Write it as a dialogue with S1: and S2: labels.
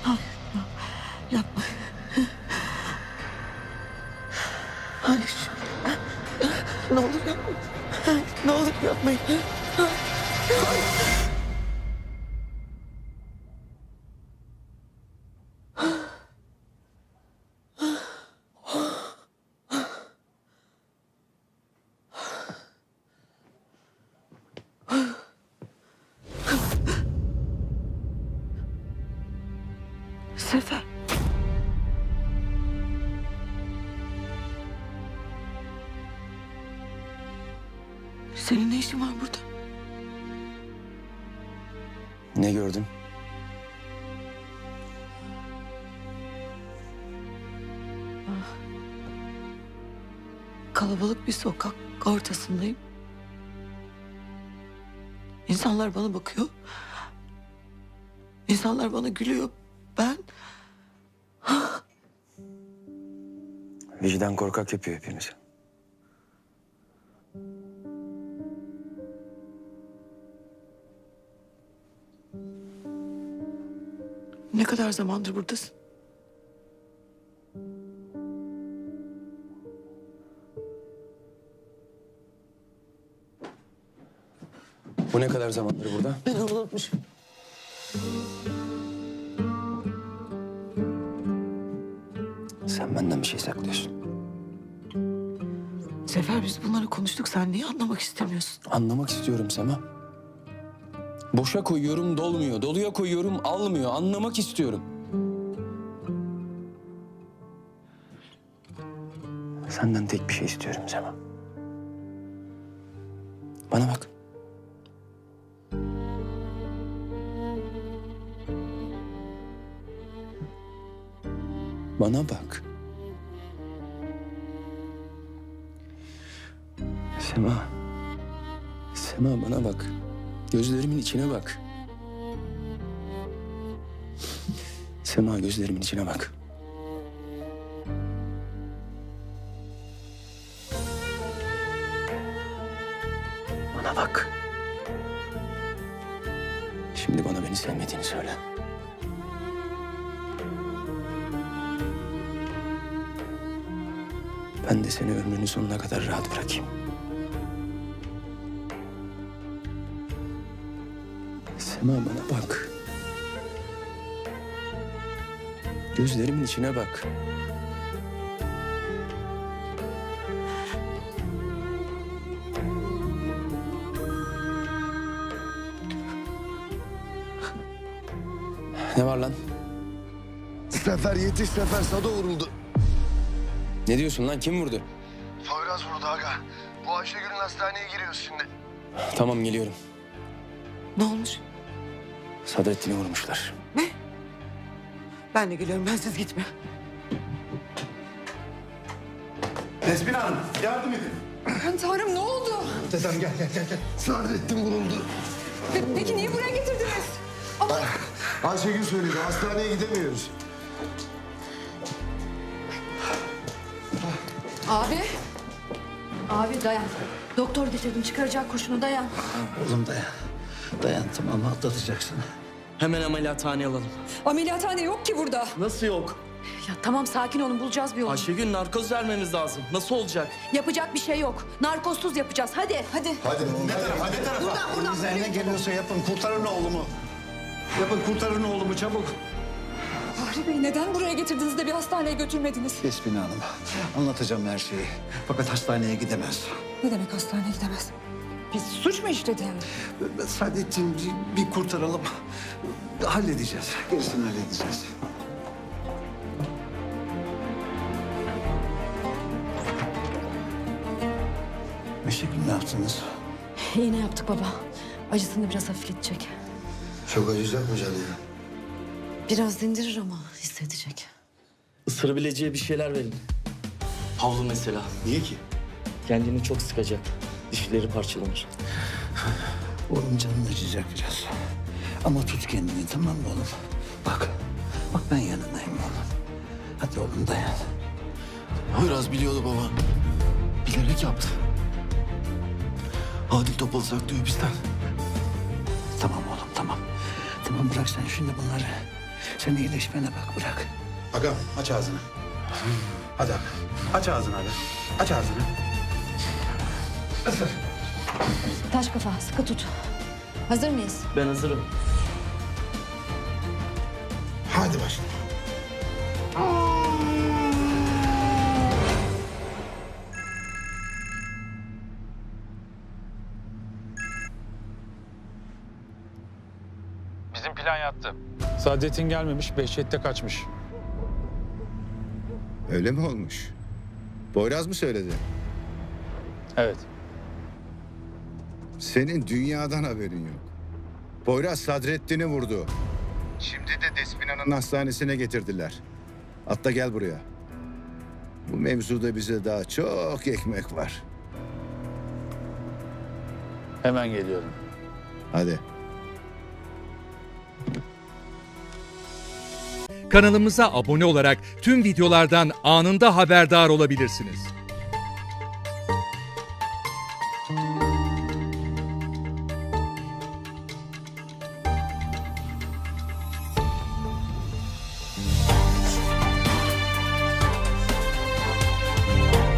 S1: Yapma. Hayır. Ne olur yapma. Ne olur yapmayın. Sefer. Senin ne işin var burada?
S2: Ne gördün?
S1: Kalabalık bir sokak ortasındayım. İnsanlar bana bakıyor. İnsanlar bana gülüyor. Ben
S2: Vicdan korkak yapıyor hepimizi.
S1: ne kadar zamandır buradasın?
S2: Bu ne kadar zamandır burada?
S1: Ben onu unutmuşum.
S2: Sen benden bir şey saklıyorsun.
S1: Sefer biz bunları konuştuk. Sen niye anlamak istemiyorsun?
S2: Anlamak istiyorum Sema. Boşa koyuyorum dolmuyor. Doluya koyuyorum almıyor. Anlamak istiyorum. Senden tek bir şey istiyorum Sema. Bana bak. Bana bak. Sema. Sema bana bak. Gözlerimin içine bak. Sema gözlerimin içine bak. Bana bak. Şimdi bana beni sevmediğini söyle. Ben de seni ömrünün sonuna kadar rahat bırakayım. Sema bana bak. Gözlerimin içine bak. Ne var lan?
S3: Sefer yetiş Sefer, Sado vuruldu.
S2: Ne diyorsun lan? Kim vurdu?
S3: Poyraz vurdu aga. Bu Ayşegül'ün hastaneye giriyoruz şimdi.
S2: Tamam geliyorum.
S1: Ne olmuş?
S2: Sadrettin'i vurmuşlar.
S1: Ne? Ben de geliyorum. Ben siz gitme.
S3: Nesbin Hanım yardım edin.
S4: Aman Tanrım ne oldu?
S3: Dedem gel. Sadrettin vuruldu.
S4: Peki niye buraya getirdiniz? Ama
S3: Ayşegül söyledi, hastaneye gidemiyoruz.
S4: abi. Abi dayan. Doktor getirdim çıkaracak kurşunu dayan.
S5: Oğlum dayan. Dayan tamam atlatacaksın.
S6: Hemen ameliyathaneye alalım.
S4: Ameliyathane yok ki burada.
S6: Nasıl yok?
S4: Ya tamam sakin olun bulacağız bir yolu.
S6: Ayşegül narkoz vermemiz lazım. Nasıl olacak?
S4: Yapacak bir şey yok. Narkozsuz yapacağız hadi.
S3: Hadi.
S5: Elinizden ne geliyorsa yapın kurtarın oğlumu. Yapın kurtarın oğlumu çabuk.
S4: Fahri Bey neden buraya getirdiniz de bir hastaneye götürmediniz?
S5: Yasmin Hanım anlatacağım her şeyi. Fakat hastaneye gidemez.
S4: Ne demek hastaneye gidemez? Biz suç mu işledi yani?
S5: Saadettin bir kurtaralım. Halledeceğiz. Gerisini halledeceğiz. Ayşegül ne yaptınız?
S4: İğne yaptık baba. Acısını biraz hafifletecek.
S3: Çok acıyacak mı canı ya?
S4: Biraz dindirir ama hissedecek.
S6: Isırabileceği bir şeyler verin. Havlu mesela.
S3: Niye ki?
S6: Kendini çok sıkacak. Dişleri parçalanır.
S5: Oğlum canın acıyacak biraz. Ama tut kendini tamam mı oğlum? Bak ben yanındayım oğlum. Hadi oğlum dayan.
S3: Biraz biliyordu baba. Bilerek yaptı. Adil Topal saklıyor bizden.
S5: Tamam oğlum tamam. Tamam bırak sen şimdi bunları. Sen iyileşmene bak, bırak.
S7: Agam aç ağzını. Hadi aga. Aç ağzını aga. Aç ağzını.
S4: Taş kafa sıkı tut. Hazır mıyız?
S6: Ben hazırım.
S7: Hadi başla.
S8: Bizim plan yattı. Saadettin gelmemiş, Behçet de kaçmış.
S9: Öyle mi olmuş? Poyraz mı söyledi?
S8: Evet.
S9: Senin dünyadan haberin yok. Poyraz Sadrettin'i vurdu. Şimdi de Despina'nın hastanesine getirdiler. Atla gel buraya. Bu mevzuda bize daha çok ekmek var.
S8: Hemen geliyorum.
S9: Hadi.
S10: Kanalımıza abone olarak tüm videolardan anında haberdar olabilirsiniz.